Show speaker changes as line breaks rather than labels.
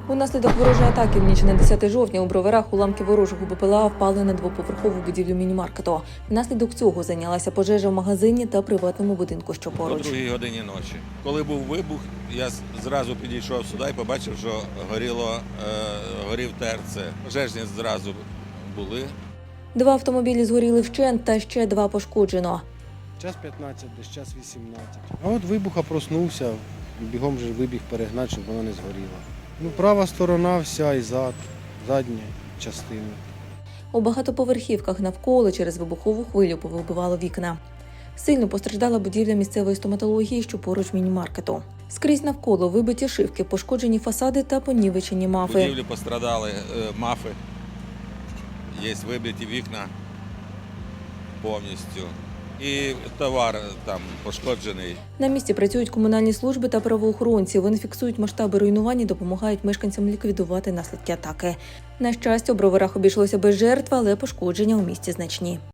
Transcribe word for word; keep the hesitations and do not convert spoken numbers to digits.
Унаслідок ворожої атаки в ніч на десяте жовтня у Броварах уламки ворожого БПЛА впали на двоповерхову будівлю міні-маркету. Внаслідок цього зайнялася пожежа в магазині та приватному будинку, що
О
поруч.
другій годині ночі. Коли був вибух, я зразу підійшов сюди і побачив, що горіло, е, горів ТРЦ. Пожежні зразу були.
Два автомобілі згоріли вщент та ще два пошкоджено.
Час п'ятнадцять, десь час вісімнадцять. А от вибуха проснувся, бігом же вибіг перегнати, щоб вона не згоріла. Ну, права сторона вся і зад, задня частина.
У багатоповерхівках навколо через вибухову хвилю повибивало вікна. Сильно постраждала будівля місцевої стоматології, що поруч міні-маркету. Скрізь навколо вибиті шибки, пошкоджені фасади та понівечені
В
мафи.
будівлі пострадали е, мафи, є вибиті вікна повністю. І товар там пошкоджений.
На місці працюють комунальні служби та правоохоронці. Вони фіксують масштаби руйнувань і допомагають мешканцям ліквідувати наслідки атаки. На щастя, у Броварах обійшлося без жертв, але пошкодження у місті значні.